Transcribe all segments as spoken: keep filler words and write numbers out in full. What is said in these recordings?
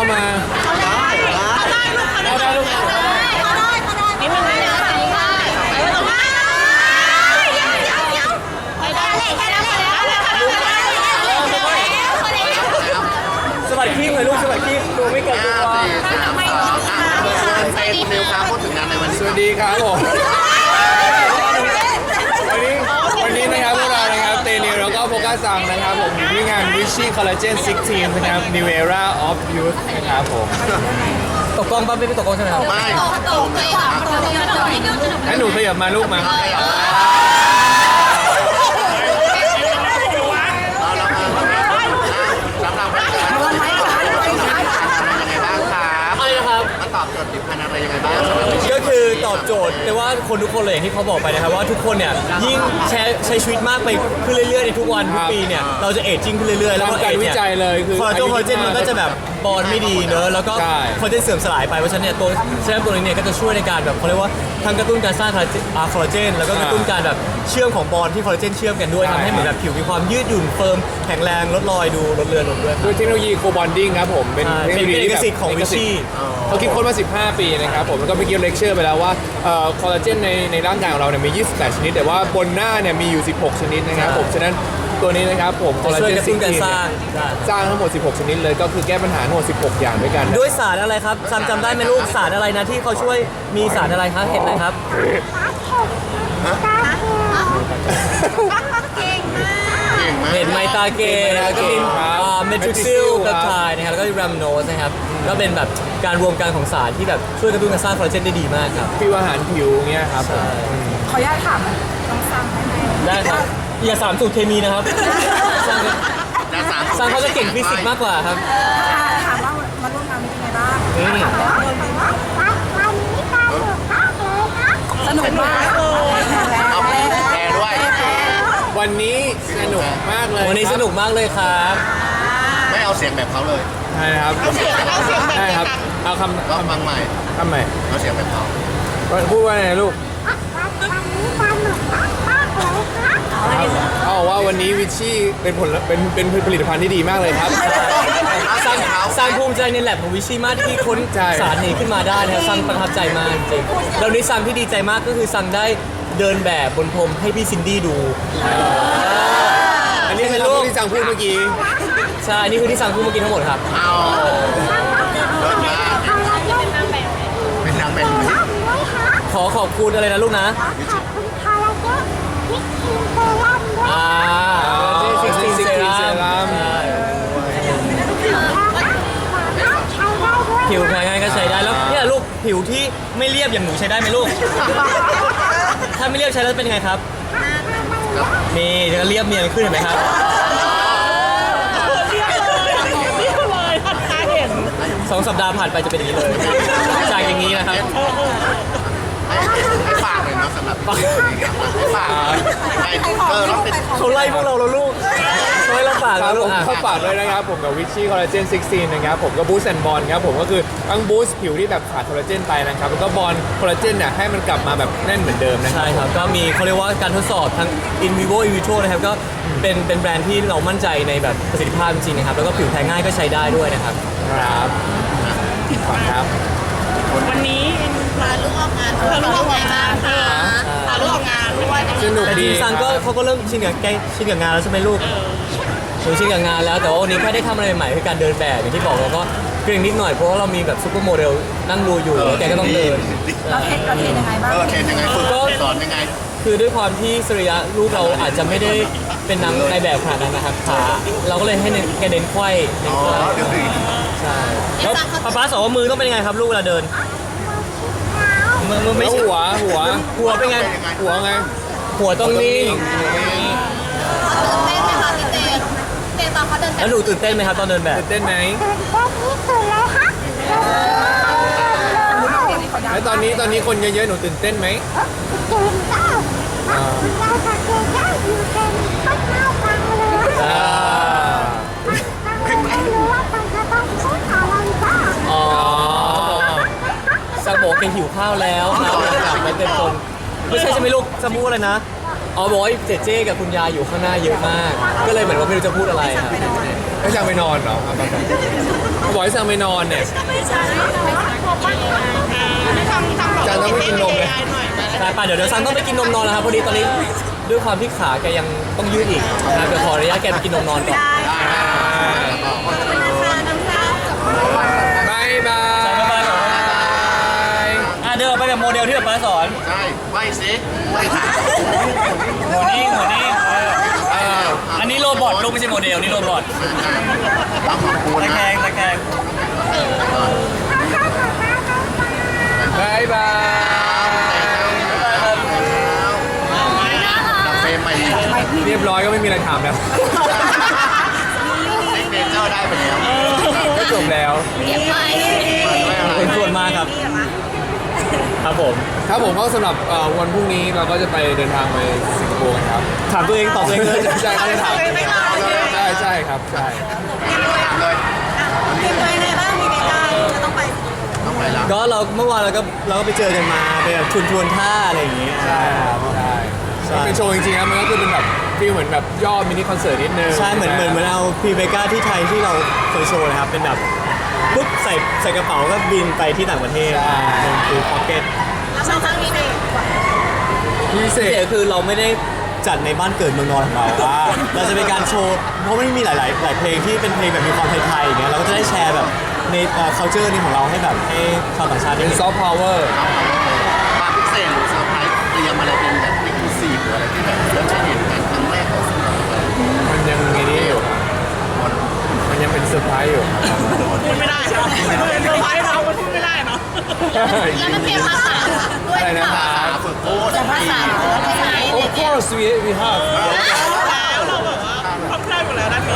มาได้ได้ลูกนิดนึงนะสวัสดีเลยลูกสวัสดีตัวไม่เกิดตัวเป็นนิวครับพูดถึงงานในวันนี้สวัสดีครับผมวันนี้วันนี้นะครับพวกเรานะครับเตนิวแล้วก็โฟกัสซังนะครับผมอยู่ที่งาน Vichy Collagen สิบหกนะครับ New Era of Youth นะครับผมตกกล้องป่ะไม่ได้ตกกล้องใช่ไหมครับไม่ตกเลยค่ะให้หนูขยับมาลูกมาตอบโจทย์ผิวพรรณอะไรยังไงบ้างก็คือตอบโจทย์แต่ว่าคนทุกคนเลยอย่างที่เขาบอกไปนะครับว่าทุกคนเนี่ยยิ่งใช้ใช้ชีวิตมากไปขึ้นเรื่อยๆในทุกวันทุกปีเนี่ยเราจะเอจจิ้งขึ้นเรื่อยๆแล้วก็เอจเนี่ยคอลลาเจนคอลลาเจนมันก็จะแบบบอลไม่ดีเนอะแล้วก็คอลลาเจนเสื่อมสลายไปเพราะฉะนั้นเนี่ยตัวเซรั่มตัวนี้เนี่ยก็จะช่วยในการแบบเขาเรียกว่าทั้งกระตุ้นการสร้างคอลลาเจนแล้วก็กระตุ้นการแบบเชื่อมของบอลที่คอลลาเจนเชื่อมกันด้วยทำให้เหมือนแบบผิวมีความยืดหยุ่นเฟิร์มแข็งแรงลดรอยดูลดเลือนลงด้วยด้วยเทคโนโลยีโคบอนดิ้งครับผมเป็นเทคโนโลยีเอกสิทธิ์ของวิชี่เขาคิดค้นมาสิบห้าปีนะครับผมแล้วก็เมื่อกี้เลคเชอร์ไปแล้วว่าคอลลาเจนในในร่างกายของเราเนี่ยมียี่สิบแปดชนิดแต่ว่าบนหน้าเนี่ยมีอยู่สิบหกชนิดนะครับผมฉะนั้นตัวนี้นะครับผมคอลลาเจนซิงค์สร้างสร้างทั้งหมดสิบหกชนิดเลยก็คือแก้ปัญหาทั้งหมดสิบหกอย่างด้วยกันด้วยสารอะไรครับซัมจำได้ไหมลูกสารอะไรนะที่เขาช่วยมีสารอะไรครับเห็นไหมครับเห็นไมตาเกนแล้วก็มีเมทริกซิลเปปไทด์นะครับแล้วก็แรมโนสนะครับก็เป็นแบบการรวมกันของสารที่แบบช่วยกระตุ้นการสร้างคอลลาเจนได้ดีมากครับผิวอาหารผิวเงี้ยครับขออนุญาตถามน้องซังได้ไหมได้ครับอย่าสามสูตรเคมีนะครับซังเขาจะเก่งฟิสิกส์มากกว่าครับถามว่ามาร่วมงานเป็นไงบ้างสนุกมากเอาแชร์ด้วยวันนี้สนุกมากเลยวันนี้สนุกมากเลยครับไม่เอาเสียงแบบเขาเลยใช่ครับใช่ครับเอาคำก็ฟังใหม่คำใหม่เอาเสียงแบบเขาพูดว่าไงลูกเขาบอกว่าวันนี้วิชชี่เป็นผลเป็นเป็นผลิตภัณฑ์ที่ดีมากเลยครับสร้างสร้างภูมิใจในแลบของวิชี่มากที่ค้นสารนี้ขึ้นมาได้นะครับซังประทับใจมากจริงแล้วนี้ซังที่ดีใจมากก็คือซังได้เดินแบบบนพรมให้พี่ซินดี้ดูอันนี้เป็นลูกที่ซังพูดเมื่อกี้ใช่อันนี้คือที่ซังพูดเมื่อกี้ทั้งหมดครับเอาเป็นนางแบบขอขอบคุณอะไรนะลูกนะอ่าซิกซินเซรั่มผิวแพ้ง่ายก็ใช้ได้แล้วเนี่ยลูกผิวที่ไม่เรียบอย่างหนูใช้ได้ไหมลูกถ้าไม่เรียบใช้แล้วเป็นไงครับนี่จะเรียบเนียนขึ้นเห็นไหมครับสองสัปดาห์ผ่านไปจะเป็นอย่างนี้เลยจากอย่างนี้นะครับฝากเลยนะสำหรับฝากเออเขาไล่พวกเราแล้วลูกช่วยเราฝากครับผมเขาฝากด้วยนะครับผมกับวิชชี่คอลลาเจนสิบหกนะครับผมก็บูสต์แอนด์บอลครับผมก็คือทั้งบูสต์ผิวที่แบบขาดคอลลาเจนไปนะครับแล้วก็บอลคอลลาเจนเนี่ยให้มันกลับมาแบบแน่นเหมือนเดิมนะใช่ครับก็มีเขาเรียกว่าการทดสอบทั้ง in vivo in vitro นะครับก็เป็นเป็นแบรนด์ที่เรามั่นใจในแบบประสิทธิภาพจริงๆนะครับแล้วก็ผิวแพ้ง่ายก็ใช้ได้ด้วยนะครับครับขอบคุณครับวันนี้พาลูกออกงานพาลูกออกงานค่ะพาลูกออกงานด้วยสนุกดีซังก็เขาก็เริ่มชินกับแกชินกับงานแล้วใช่ไหมลูกหนูชินกับงานแล้วแต่ว่าวันนี้แค่ได้ทำอะไรใหม่คือการเดินแบบอย่างที่บอกเราก็เกรงนิดหน่อยเพราะว่าเรามีแบบซุปเปอร์โมเดลนั่งดูอยู่แกก็ต้องเดินเราเทรนเราเทรนยังไงบ้างเออเทรนยังไงฝึกสอนยังไงคือด้วยความที่สรีระลูกเราอาจจะไม่ได้เป็นนางในแบบขนาดนั้นนะครับขาเราก็เลยให้แกเดินไขว้เดินไขว้ใช่แล้วป๊าป๊าสอนว่ามือต้องเป็นยังไงครับลูกเวลาเดินมือมือไม่หัวหัวหัวเป็นไงหัวไงหัวต้องนิ่งเต้นไหมคะพี่เต้เต้นตอนเขาเดินแล้วหนูตื่นเต้นไหมครับตอนเดินแบบตื่นเต้นไหมแล้วตอนนี้ตอนนี้คนเยอะๆหนูตื่นเต้นไหมตื่นเต้นเราจะเก่งได้อยู่เป็นต้นข้าวฟังเลยอ่าไม่รู้ว่ามันจะต้องพูดอะไรบ้างอ๋อซังบอกเก่งหิวข้าวแล้วครับกลับมาเต็มคนไม่ใช่ใช่ไหมลูกจะพูดอะไรนะอ๋อบอกว่าเจเจกับคุณยายอยู่ข้างหน้าเยอะมากก็เลยเหมือนว่าไม่รู้จะพูดอะไรครับให้สั่งไปนอนเหรอครับบอกให้สั่งไปนอนเนี่ยไม่ใช่ไม่ทำทำบอกจานต้องไม่กินนมเลยหน่อยใช่ป่ะเดี๋ยวเดี๋ยวซังต้องไปกินนมนอนแล้วครับพอดีตอนนี้ด้วยความที่ขาแกยังต้องยืดอีกนะเดี๋ยวขออนุญาตแกไปกินนมนอนก่อนบายบายบ๊ายบายอ่ะเดินออกไปแบบโมเดลที่แบบป้าสอนใช่ไหวสิไหวขาหัวนิ่งหัวนิ่งเออเอออันนี้โรบอทลูกไม่ใช่โมเดลนี่โรบอทต้องขอบคุณตะนะแคงตะแคงบายบายดับเฟรมไปเเรียบร้อยก็ไม่มีอะไรถามแล้วซ็กเนเจอร์ได้ไปแล้วก็จบแล้วเป็นส่วนมากครับ ครับผมครับผมก็สำหรับเอ่อวันพรุ่งนี้เราก็จะไปเดินทางไปสิงคโปร์กันครับถามตัวเองตอบตัวเองเลยใช่เขาจะถามใช่ใช่ครับใช่ถามเลยมีไปไหนบ้างมีไปได้จะต้องไปต้องไปแล้วก็เราเมื่อวานเราก็เราก็ไปเจอกันมาไปแบบชวนชวนท่าอะไรอย่างเงี้ยใช่ครับใช่ใช่เป็นโชว์จริงๆครับมันก็คือเป็นแบบฟีลเหมือนแบบย่อมินิคอนเสิร์ตนิดนึงใช่เหมือนเหมือนเหมือนเอาพรีเบก้าที่ไทยที่เราเคยโชว์นะครับเป็นแบบปุ๊บใส่ใส่กระเป๋าก็บินไปที่ต่างประเทศเป็นคือพ็อกเก็ตแล้วครั้งนี้เด็กพิเศเสีษยคือเราไม่ได้จัดในบ้านเกิดเมืองนอนของเราว่าเราจะเป็นการโชว์เพราะไม่มีหลายๆหลายเพลงที่เป็นเพลงแบบมีความไทยๆอย่างเงี้ยเราก็จะได้แชร์แบบในเอ่อ culture นี้ของเราให้แบบให้ชาวต่างชาติได้เป็นเห็นซอฟต์พาวเวอร์ความพิเศษหรือเซอร์ไพรส์เตรียมอะไรเป็นแบบเอ็กซ์คลูซีฟหรืออะไรที่แบบเราจะเห็นกันครั้งแรกของสิ่งนี้มันยังไงนี่อยู่ครับมันยังเป็นเซอร์ไพรส์อยู่ครับพูดไม่ได้เนาะเซอร์ไพรส์เรามันพูดไม่ได้เนาะแล้วมันเตรียมภาษาด้วยอะไรนะคภารับษาฝึกพูดภาษาภาษา Of course we we have แล้วเราแบบว่าพร้อมได้หมดแล้วด้านนี้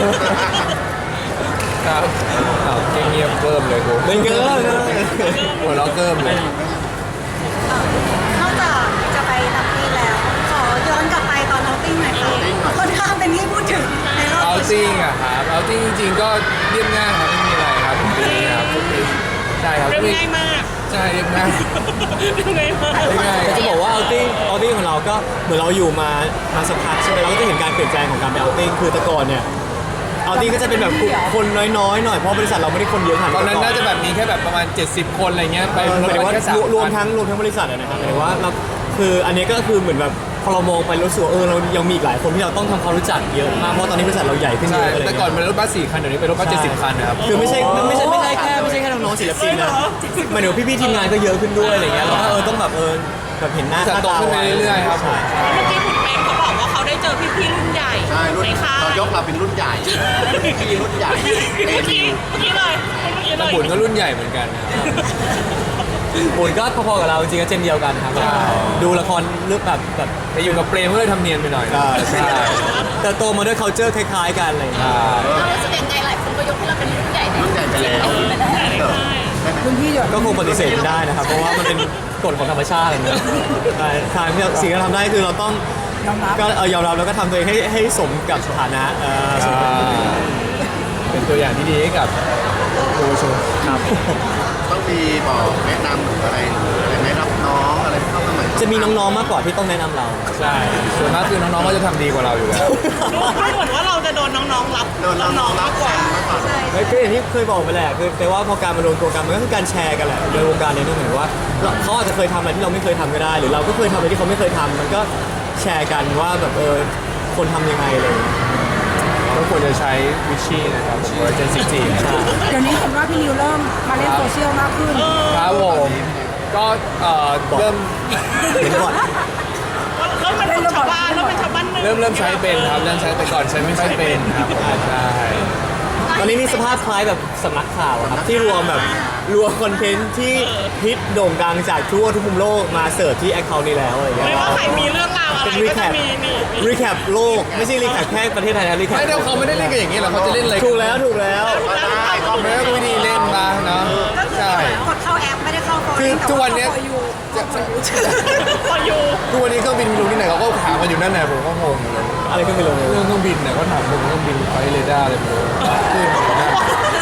ครับอ้าวเงียบๆเกิมเลยกูเป็นเกินหัวเราะเกิมเลยนอกจากจะไปทำปีแล้ว ขอย้อนกลับไปตอนเอาติ้งหน่อยค่ะค่อนข้างเป็นที่พูดถึงในโลกเอาโซเชีติ้ยงลอะครับเอาติ้งจริงๆก็เรียบง่ายครับไม่มีอะไรครับปีนี้ครับใช่ครับเรื่องง่ายมากใช่เรียบง่ายเรื่องง่ายมากเรียบง่ายแต่จะบอกว่าเอาติ้งเอาติ้งของเราก็เหมือนเราอยู่มามาสักพักใช่ไหมเราก็จะเห็นการเปลี่ยนแปลงของการไปเอาติ้งคือแต่ก่อนเนี่ยเอาติ้งก็จะเป็นแบบคนน้อยๆหน่อยเพราะบริษัทเราไม่ได้คนเยอะขนาดตอนนั้นน่าจะแบบมีแค่แบบประมาณเจ็ดสิบคนอะไรเงี้ยไปหมายถึงว่าแค่สามรวมทั้งรวมทั้งบริษัทอะนะครับหมายถึงว่าเราคืออันนี้ก็คือเหมือนแบบพอเรามองไปรู้สึกว่าเออเรายังมีอีกหลายคนที่เราต้องทำความรู้จักเยอะมากเพราะตอนนี้บริษัทเราใหญ่ขึ้นเยใช่อะอะไรแต่เงี้ยก่อนมันรถบัสสี่คันเดี๋ยวนี้เป็นรถบัสเจ็ดสิบคันนะครับคือไม่ใช่ไม่ใช่ไม่ใช่แค่ไม่ใช่แค่น้องๆศิลปินนะหมายถึงว่าพี่ๆทีมงานก็เยอะขึ้นด้วยอะไรเงี้ยเราก็เออต้องแบบเออแบบเห็นหน้าจะค่าโตตาขึ้นไปไว้เรื่อยๆครับใช่เมื่อกี้คุณเปมเขาบอกว่าเขาได้เจอพี่ๆรุ่นใหญ่ใช่รุ่นในค่ายเรายกเราเป็นรุ่นใหญ่พี่รุ่นใหญ่เมื่อกี้เมื่อกี้เลยเมื่อกี้เลแต่ยบุญก็รุ่นใหญ่เหมือนกันนะครับบุญก็พอๆกับเราจริงๆก็เจนเดียวกันครับใช่ดูละครเรื่องแบบแบบแต่อยู่กับเปรมก็เลยทำเนียนไปหน่อยใช่ใช่แต่โตมาด้วย culture คล้ายๆกันอะไรอย่างเงี้ยเรารู้สึกยังไงหลายคนก็ยกให้เราเป็นรุ่นใหญ่ในรุ่นใหญ่ไปแล้วรุ่นพี่หยดก็คงปฏิเสธไม่ได้นะครับ เพราะว่ามันเป็นกฎของธรรมชาติอะนะใช่ทางที่เราสิ่งที่เราทำได้คือเราต้องก็เออยอมรับแล้วก็ทำตัวเองให้ให้สมกับสถานะเอ่อสมกับเป็นตัวอย่างที่ดีให้กับเยาวชนครับต้องมีบอกแนะนำหรืออะไรหรืออะไรไหมรับน้องอะไรเข้ามาใหม่จะมีน้องๆมากกว่าที่ต้องแนะนำเราใช่ส่วนมากคือน้องๆก็จะทำดีกว่าเราอยู่แล้วดูเหมือนว่าเราจะโดนน้องๆรับโดนรับน้องรับกว่ามากกว่าไม่ก็อย่างที่เคยบอกไปแหละคือแต่ว่าพอการมารวมตัวกันมันก็คือการแชร์กันแหละในวงการนี้ต้องเหมือนว่าเราเขาอาจจะเคยทำอะไรที่เราไม่เคยทำก็ได้ หรือเราก็เคยทำอะไรที่เขาไม่เคยทำมันก็แชร์กันว่าแบบเออคนทำยังไงอะไรอย่างเลยก็ควรจะใช้วิชชี่นะครับผมว่าเจนซิทีนะครับเดี๋ยวนี้เห็นว่าพี่นิวเริ่มมาเล่นโซเชียลมากขึ้นครับผมก็เอ่อเริ่มเห็นก่อนเริ่มเป็นชาวบ้านเริ่มเป็นชาวบ้านหนึ่งเริ่มเริ่มใช้เป็นครับเริ่มใช้แต่ก่อนใช้ไม่ค่อยเป็นครับใช่ตอนนี้มีสภาพคล้ายแบบสำนักข่าวอะครับที่รวมแบบรวมคอนเทนต์ที่ฮิตโด่งดังจากทั่วทุกมุมโลกมาเสิร์ฟที่แอคเคาท์นี้แล้วอะไรอย่างเงี้ไม่ยว่าใครมีเรื่องราวอะไรเป็นรีก็แคจะปมีนี่รีแคปโลกไม่ใช่รีแคปแค่ประเทศไทยนะรีแคปไม่แต่เขาไม่ได้เล่นกันอย่างนี้หรอกเขาจะเล่นอะไรถูกแล้วถูกแล้วก็ได้ก็ไม่ก็วิธีเล่นมาเนาะก็คือใช่กดเข้าแอปไม่ได้เข้าโฟนคือทุกวันเนี้ยอยู่จะพออยู่ทุกวันนี้เครื่องบินลงที่ไหนเขาก็ถามกันอยู่นั่นแหละผมก็งงเลยอะไรขึ้นไปลงเรื่องเครื่องบินเนี่ยเขาถามผมเครื่องบินไฟเรดาร์อะไรไม่รู้ขึ้นอยู่นั่น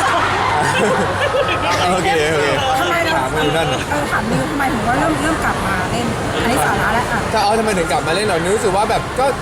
โอเคโอเคทำไมเราถามกันอยู่นั่นเออถามนิวทำไมถึงว่าเริ่มเริ่มกลับมาเล่น อันนี้สาระแล้วอ่ะถ้าเอาทำไมถึงกลับมาเล่นหน่อยนึกรู้สึกว่าแบบก็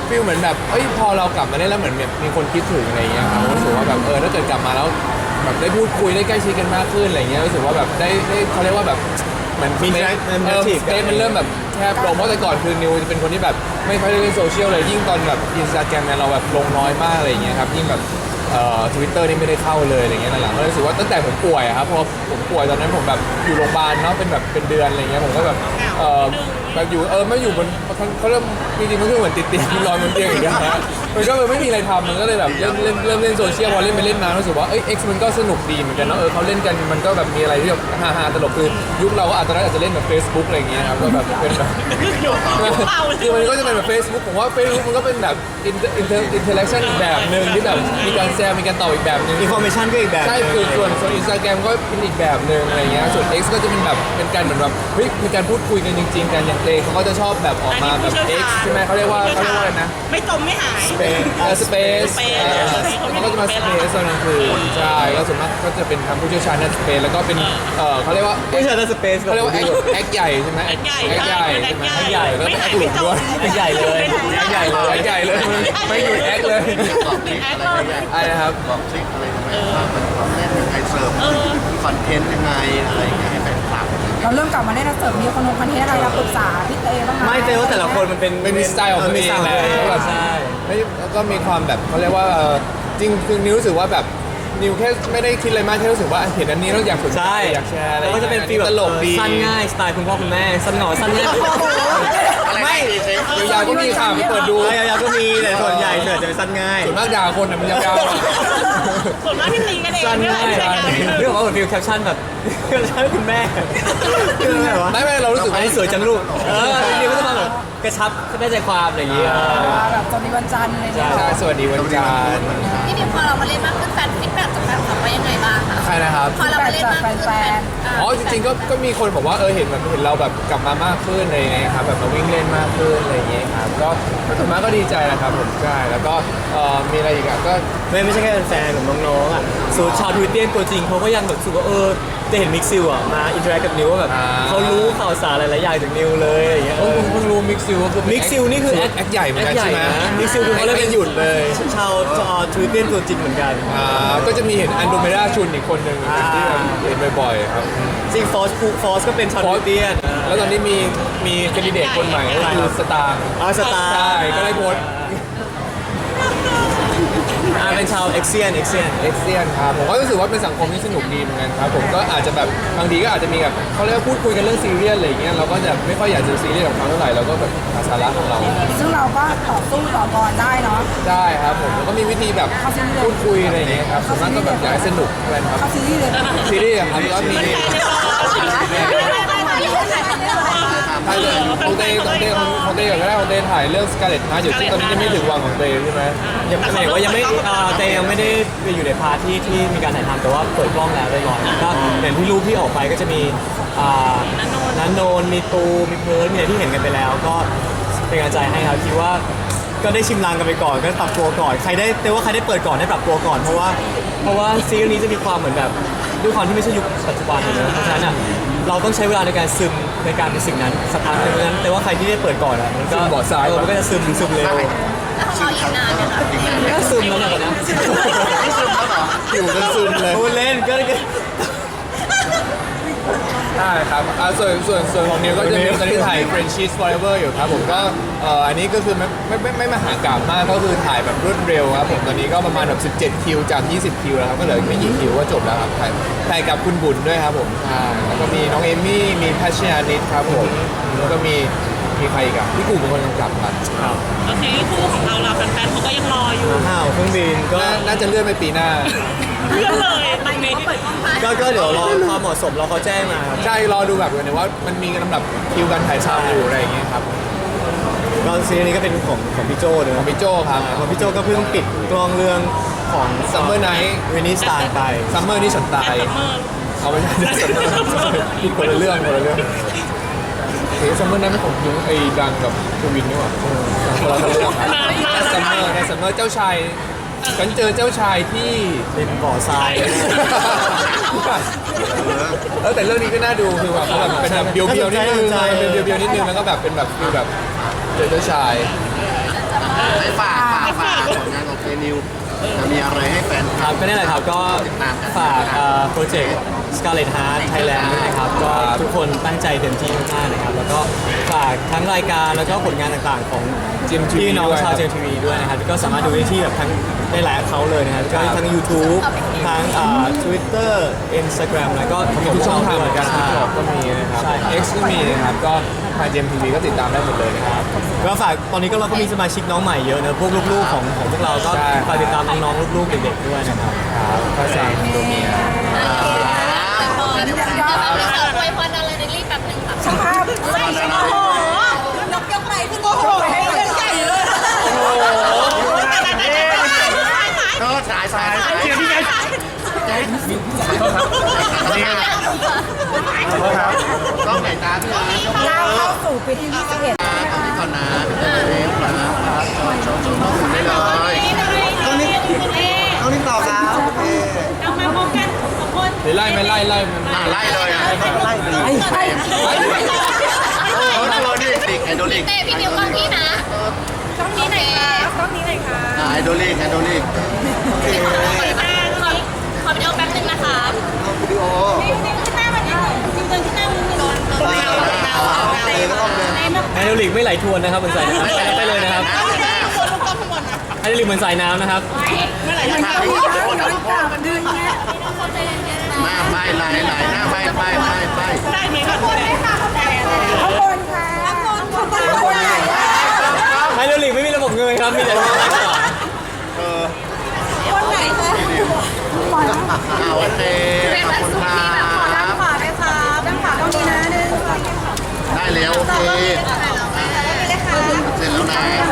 ฟีลเหมือนแบบเอ้ยพอเรากลับมาได้แล้วเหมือนแบบมีคนคิดถึงอะไรเงี้ยครับรู้สึกว่าแบบเออถ้าเกิดกลับมาแล้วแบบได้พูดคุยได้ใกล้ชิดกันมากขึ้นอะไรเงี้ยรู้สึกว่าแบบได้ได้เขาเรียกว่าแบบเหมือนมีเอ interactive อสเปซมันเริ่มแบบแคบลงเพราะแต่ก่อนคือนิวจะเป็นคนที่แบบไม่ค่อยได้เล่นโซเชียลเลยยิ่งตอนแบบอินสตาแกรมเนี่ยเราแบบลงน้อยมากอะไรอย่างเงี้ยครับยิ่งแบบเอ่อทวิตเตอร์นี่ไม่ได้เข้าเลยอะไรเงี้ยหลังๆก็รู้สึกว่าตั้งแต่ผมป่วยอะครับพอผมป่วยตอนนั้นผมแบบอยู่โรงพยาบาลเนาะเป็นแบบเป็นเดือนอะไรเงี้ยผมก็แบบเอ่อแบบอยู่เออไม่อยู่บนเขาเริ่มจริงๆมันก็เหมือนติดเตียงนอนบนเตียงอย่างเงี้ยฮะมันก็เลยไม่มีอะไรทำมันก็เลยแบบเริ่มเล่นเริ่มเล่นโซเชียลพอเล่นไปเล่นมารู้สึกว่าเอ้ย X มันก็สนุกดีเหมือนกันเนาะเออเขาเล่นกันมันก็แบบมีอะไรที่แบบฮาๆตลกคือยุคเราก็อาจจะอาจจะเล่นแบบ Facebook อะไรเงี้ยครับก็แบบเป็นแบบ คือมันก็จะเป็นแบบ Facebook ผมว่า Facebook มันก็เป็นแบบอินเตอร์อินเตอร์อินเทอร์แอคชั่นอีกแบบหนึ่งที่แบบมีการแซวมีการตอบอีกแบบหนึ่ง information ก็อีกแบบใช่คือส่วนส่วนอินสตาแกรมก็เป็นอีกแบบหนึ่งอะไรเงี้ยส่วน X ก็จะเป็นแบบเป็นการเหมือนแบบเฮ้ยมีการพูดคุยกันจริงๆกันอย่างเตเขาก็จะชอบแบบออกมาแบบ X ใช่ไหมเขาเรียกว่าเขาเรียกว่าอะไรนะไม่จมไม่หายเป็นเออสเปซ Space มันก็จะมาสเปซตอนกลางคืนใช่ก็ส่วนมากก็จะเป็นทางผู้เชี่ยวชาญในสเปซแล้วก็เป็นเออเขาเรียกว่าไม่ใช่แต่สเปซเขาเรียกว่าแอคแอคใหญ่ใช่ไหมแอคใหญ่แอคใหญ่แอใช่คไหมใหญ่แอคใหญ่แล้วก็ไม่แอหายคหลุดด้วยแอคใหญ่เลยแอคใหญ่เลยแอคใหญ่เลยไม่หยุดแอคเลยบอกทริคอะไรเงี้ยอะไรนะครับบอกทริคอะไรทำไมว่ามันต้องเล่นยังไงเสิร์ฟคอนเทนต์ยังไงอะไรอย่างเงี้ยให้แฟนคลับเราเริ่มกลับมาได้แล้วเสริมมีคนลงคอนเทนต์อะไรเราปรึกษาพี่เต้บ้างไหมไม่เจอว่าแต่ละคนมันเป็นเป็นมีสไตล์ของตัวเองมีสไตล์ของตัวเองใช่ไม่แล้วก็มีความแบบเขาเรียกว่าเอ่อจริงคือนิวรู้สึกว่าแบบนิวแค่ไม่ได้คิดอะไรมากแค่รู้สึกว่าเห็นอันนี้แล้วอยากสนใจใช่อยากแชร์อะไรแล้วก็จะเป็นฟีลแบบตลกดีสั้นง่ายสไตล์คุณพ่อคุณแม่สั้นหน่อสั้นง่ายไม่ยาวๆก็มีข่าวเปิดดูยาวๆก็มีแต่ส่วนใหญ่ส่วนใหญ่จะเป็นสั้นง่ายส่วนมากด่าคนน่ะมันยาวๆอะส่วนมากที่ตีกันเองสั้นไม่ง่ายใช่การเรื่องของแบบฟีลแคปชั่นแบบแคปชั่นคุณแม่คือแบบว่าไม่ไม่เรารู้สึกอันว่านี้สวยจังลูกเอออันนี้ก็จะมาแบบกระชับได้ใจความอะไรอย่างเงี้ยแบบสวัสดีวันจันทร์อะไรอย่างเงี้ยใช่สวัสดีวันจันทร์พี่ดิวพอเรามาเล่นมากขึ้นแฟนฟีดแบ็กจากแฟนคลับว่ายังไงบ้างคะใครนะครับพอเรามาเล่นมากขึ้นแฟนอ๋อจริงๆก็ก็มีคนบอกว่าเออเห็นแบบเห็นเราแบบกลับมามากขึ้นอะไรอย่างเงี้ยครับแบบมาวิ่งเล่นมากขึ้นอะไรอย่างเงี้ยครับก็ก็ส่วนมากก็ดีใจแหละครับผมใช่แล้วก็เอ่อมีอะไรอีกอ่ะก็ไม่ไม่ใช่แค่แฟนๆของน้องๆอ่ะส่วนชาวทวิตเตียนตัวจริงเขาก็ยังแบบรู้สึกว่าเออจะเห็นมิกซิลอ่ะมาอินเทอร์แอคกับนิวว่าแบบอ่าเขารู้ข่าวสารหลายๆอย่างจากนิวเลยอะไรอย่างเงี้ยเออผมเพิ่งรู้มิกซิลก็คือมิกซิลนี่คือแอคแอคใหญ่เหมือนกันแอคใช่ไหมญ่ะมิกซิลคือเขาเล่นไม่หยุดเลยชาวชาวทวิตเตียนตัวจริงเหมือนกันอ่าก็จะมีเห็นอันโดเมดาชุนอีกคนหนึ่งอ่าที่แบบเห็นบ่อยๆครับจริงฟอสฟอสก็เป็นชาวทวิตเตียนแล้วตอนนี้มีมีแคนดิเดตคนใหม่ก็คือสตาร์อาสตาร์ใช่ก็ได้โพสต์อ่าเป็นชาวเอ็กเซียนเอ็กเซียนเอ็กเซียนครับผมก็รู้สึกว่าเป็นสังคมที่สนุกดีเหมือนกันครับผมก็อาจจะแบบบางทีก็อาจจะมีแบบเขาเรียกว่าพูดคุยกันเรื่องซีเรียสอะไรอย่างเงี้ยเราก็จะไม่ค่อยอยากจะซีเรียสกับเขาเท่าไหร่เราก็แบบหาสาระของเราซึ่งเราก็ต่อสู้ต่อกรได้เนาะได้ครับผมแล้วก็มีวิธีแบบพูดคุยอะไรอย่างเงี้ยครับส่วนมากก็แบบอยากให้สนุกอะไรครับเข้าซีรีส์เลยซีรีส์อะครับแล้วมีถ่ายเรื่องของเต้ของเต้ของเต้ก็ได้ของเต้ถ่ายเรื่องสกาเลตฮาร์อยู่ที่ตอนนี้ยังไม่ถึงวังของเต้ใช่ไหมยังไม่ว่ายังไม่อ่าแต่ยังไม่ได้ไปอยู่ในพาร์ทที่ที่มีการถ่ายทำแต่ว่าเปิดกล้องแล้วเรียบร้อยก็อย่างที่รูปที่ออกไปก็จะมีอ่านันโนนมีตูมีเพิร์ลมีอะไรที่เห็นกันไปแล้ว ก็เป็นกำลังใจให้ครับคิดว่าก็ได้ชิมลางกันไปก่อนก็ปรับตัวก่อนใครได้แต่ว่าใครได้เปิดก่อนได้ปรับตัวก่อนเพราะว่าเพราะว่าซีรีส์นี้จะมีความเหมือนแบบด้วยความที่ไม่ใช่ยุคปัจจุบันเลยเพราะฉะนั้นอ่ะเราต้องใช้เวลาในการซึมในการเป็นสิ่งนั้นสักพักหนึงเพราะฉะนั้นแต่ว่าใครที่ได้เปิดก่อนอ่ะมันก็ซึมบ่อทรายเออมันก็จะซึมซึมเร็วแล้วเขาอีกนานไหมคะก็ซึมแล้วนะตอนนี้อยู่กันซึมเลยพูดเล่นก็ก็ได้ครับอ่าส่วนส่วนส่วนของนิวก็จะมีตอนที่ถ่าย French Cheese Forever อยู่ครับผมก็เอ่ออันนี้ก็คือไม่ไม่ไม่ไม่มหากาพย์มากก็คือถ่ายแบบรวดเร็วครับผมตอนนี้ก็ประมาณแบบสิบเจ็ดคิวจากยี่สิบคิวแล้วครับก็เหลืออีกไม่กี่คิวก็จบแล้วครับถ่ายถ่ายกับคุณบุญด้วยครับผมใช่แล้วก็มีน้องเอมี่มีพัชญานิดครับผมแล้วก็มีมีใครอีกอะพี่กูเป็นคนกำกับครับโอเคคู่ของเราเราแฟนๆเขาก็ยังรออยู่ห้าวเครื่องบินก็น่าน่าจะเลื่อนไปปีหน้าเพื่อนเลยตรงนี้ก็ก็เดี๋ยวรอความเหมาะสมเราเขาแจ้งมาครับใช่รอดูแบบว่ามันมีลำดับคิวการถ่ายทำอยู่อะไรอย่างเงี้ยครับก็ซีรีส์นี้ก็เป็นของของพี่โจ้เลยของพี่โจครับของพี่โจ้ก็เพิ่งปิดกล้องเรื่องของ Summer Night เวนิสตาร์ไปซัมเมอร์นี่ฉันตายซัมเมอร์เอาไม่ใช่ซัมเมอร์ผิดคนละเรื่องคนละเรื่องเฮ้ยซัมเมอร์นั้นไม่ของยุ้งไอ้ดังกับทวินนี่หว่าคนละเรื่องครับซัมเมอร์ในซัมเมอร์เจ้าชายฉันเจอเจ้าชายที่เป็นบ่อทรายเออแต่เรื่องนี้ก็น่าดูคือแบบเขาแบบเป็นแบบเบียวๆนิดนึงเป็นเบียวๆนิดนึงแล้วก็แบบเป็นแบบคือแบบเจอเจ้าชายจะมาให้ฝากฝากฝากผลงานของเจนิวจะมีอะไรให้แฟนคคลัรับบก็นี่แหละครับก็ติดตามกันฝากโปรเจกต์ Scarlet Heart Thailand ด้วยนะครับก็ทุกคนตั้งใจเต็มที่มากๆนะครับแล้วก็ฝากทั้งรายการแล้วก็ผลงานต่างๆของจี เอ็ม ที วีพี่น้องด้วยชาวเจมทีวีด้วยนะครับก็สามารถดูได้ที่แบบทั้งได้หลายเขาเลยนะครับก็ทั้ง YouTube ทั้งอ่า Twitter Instagram แล้วก็มีทุกช่องทางเหมือนกันใช่ TikTok ก็มีนะครับใช่ครับ X ก็มีนะครับก็ทาง เจ เอ็ม ที วี ก็ติดตามได้หมดเลยนะครับก็ฝากตอนนี้ก็เราก็มีสมาชิกน้องใหม่เยอะนะพวกลูกๆของของพวกเราก็ใช่ฝากติดตามน้องๆลูกๆเด็กๆด้วยนะครับครับภาษาตัวเมียเดี๋ยวเราอวยพรอะไรในรีบแป๊บนึงค่ะช่างภาพโอ้โหนกยกไปขึ้นโอ้โหเป็นใหญ่เลยก็สายสายสายเดี๋ยวที่ไหนต้องไหนตาพี่นะก้าวเข้าสู่ปีที่ยี่สิบเอ็ดตรงนี้ก่อนนะเร็วครับโชว์โชว์น้องคุณได้เลยต้องนี่ต้องนี่ต่อครับโอเคเอามาพร้อมกันสองคนหรือไล่ไหม่ไล่ไล่มันอ่าไล่เลยอ่ะไล่เลยไล่โอ้โหโดลิกไอโดลิกเต้พี่นิวกล้องพี่นะกล้องนี้ไหนคะกล้องนี้เลยค่ะไอโดลิกไอโดลิกขอขอวิดีโอแป๊บนึงนะคะวิดีโอขึ้นหน้ามันนิดนึงจริงๆขึ้นหน้ามันนิดนึงไฮโดรลิกไม่ไหลทวนนะครับเหมือนสายน้ำไปไปเลยนะครับไฮโดรลิกเหมือนสายน้ำนะครับมันเข้าที่ข้างมันกลับมันดึงเงี้ยหน้าไปไหลไหลหน้าไปไปไปไปได้ไหมคะคุณข้างบนค่ะข้างบนข้างบนข้างบนไหนไฮโดรลิกไม่มีระบบเงินครับมีแต่ระบบไหลก่อนเออคนไหนคะขออ่าโอเคขอบคุณครัด้านบขวาด้วยครับด้านขวาต้องนี้นะหนึ่งสองได้แล้วโอเคนี่เลยค่ะเสร็จแล้วนะ